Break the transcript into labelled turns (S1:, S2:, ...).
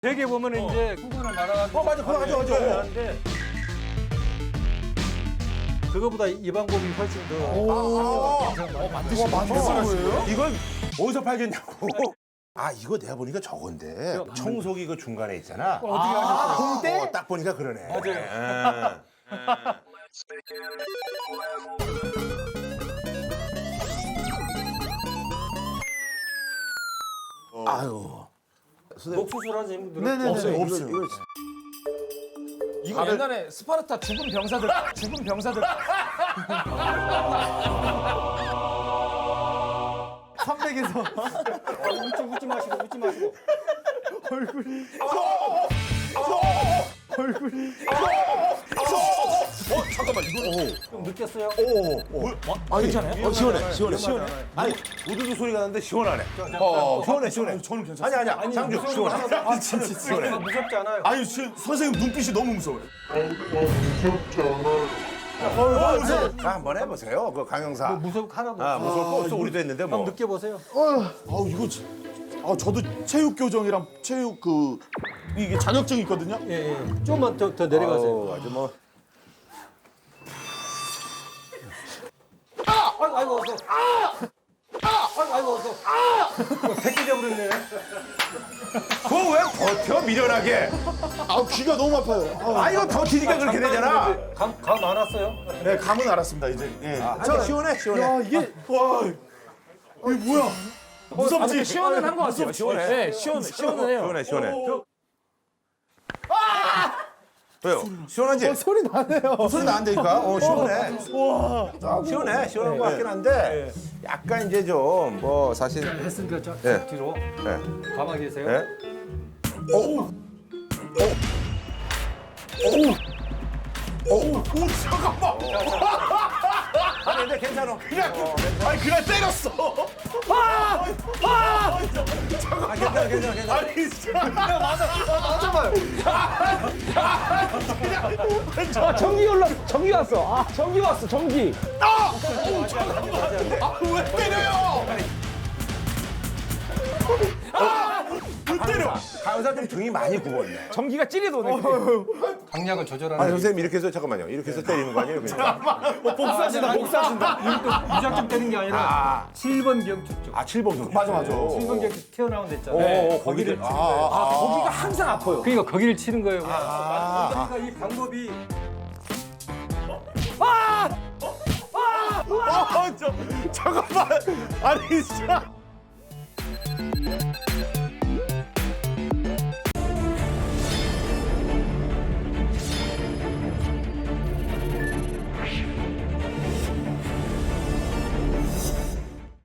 S1: 되게 보면 이제 후군을 말아가지고
S2: 맞아, 그거 맞아.
S1: 하는데 그거보다 이 방법이 훨씬 더
S2: 만드신 거예요? 이걸 어디서 팔겠냐고. 아, 이거 내가 보니까 저건데. 청소기 그 중간에 있잖아.
S1: 어떻게 하셨어요?
S2: 공대? 딱 보니까 그러네. 맞아요. 아유.
S1: 목 수술하신 분들은
S3: 네네네.
S2: 없어요.
S3: 이거 옛날에 스파르타 죽은 병사들 선백에서
S1: 웃지 마시고 웃지 마시고
S2: 잠깐만, 이거.
S1: 좀 느꼈어요?
S2: 아니, 괜찮아요? 시원해. 아니, 우두두 소리가 나는데 시원하네. 시원해.
S4: 저는 괜찮아요.
S2: 아니야. 장주, 시원해.
S4: 아, 진짜
S2: 시원해.
S1: 무섭지 않아요?
S4: 아니, 선생님 눈빛이 너무 무서워요.
S2: 자, 한번 해보세요. 그 강영사.
S1: 무섭 하나도
S2: 아, 무서울 거 없어. 우리도 했는데 뭐.
S1: 한번 느껴보세요.
S4: 아우 이거 저도 체육 교정이랑 체육 이게 자격증이 있거든요.
S1: 예. 좀만 더 내려가세요.
S2: 아주 뭐.
S1: 아이고 어서. 아이고 어서. 백기 잡으렸네.
S2: 그거 왜 버텨, 미련하게.
S4: 아 귀가 너무 아파요.
S2: 아, 이거 버티니까 그렇게 되잖아.
S1: 감 많았어요?
S4: 네 감은 알았습니다 이제. 예.
S2: 저 시원해.
S4: 야 이게 와 이게 뭐야? 무섭지?
S3: 시원은 한 것 같아요.
S2: 시원해.
S3: 네, 시원은 해요.
S2: 시원해. 왜요? 시원하지?
S4: 소리 나네요.
S2: 소리 나는데니까. 시원해. 시원한 것 같긴 한데 약간 이제 좀 뭐 사실.
S1: 했으니까 저
S2: 예.
S1: 뒤로
S2: 예.
S1: 가만히 계세요.
S2: 예? 잠깐만. 아니 근데 괜찮아.
S4: 그냥 때렸어.
S2: 괜찮아.
S4: 아니 진짜.
S3: 전기 왔어. 전기 왔어. 전기.
S4: 왜 때려요? 왜 때려?
S2: 강사 좀 등이 많이 굽었네.
S3: 전기가 찌리도네.
S1: 강약을 조절하는.
S2: 아니 선생님 이렇게 해서 잠깐만요. 이렇게 해서 때리는 거 아니에요? 그냥.
S4: 복사하신다.
S1: 이것도 무작정 때린 게 아니라 7번 경축 쪽.
S2: 7번 경.
S4: 맞아.
S1: 7번 경축 튀어나온 데 있잖아요. 거기를 치는 거예요.
S3: 거기가 항상 아파요.
S1: 그러니까 거기를 치는 거예요. 그러니까 이 방법이
S4: 잠깐만. 아니 진짜.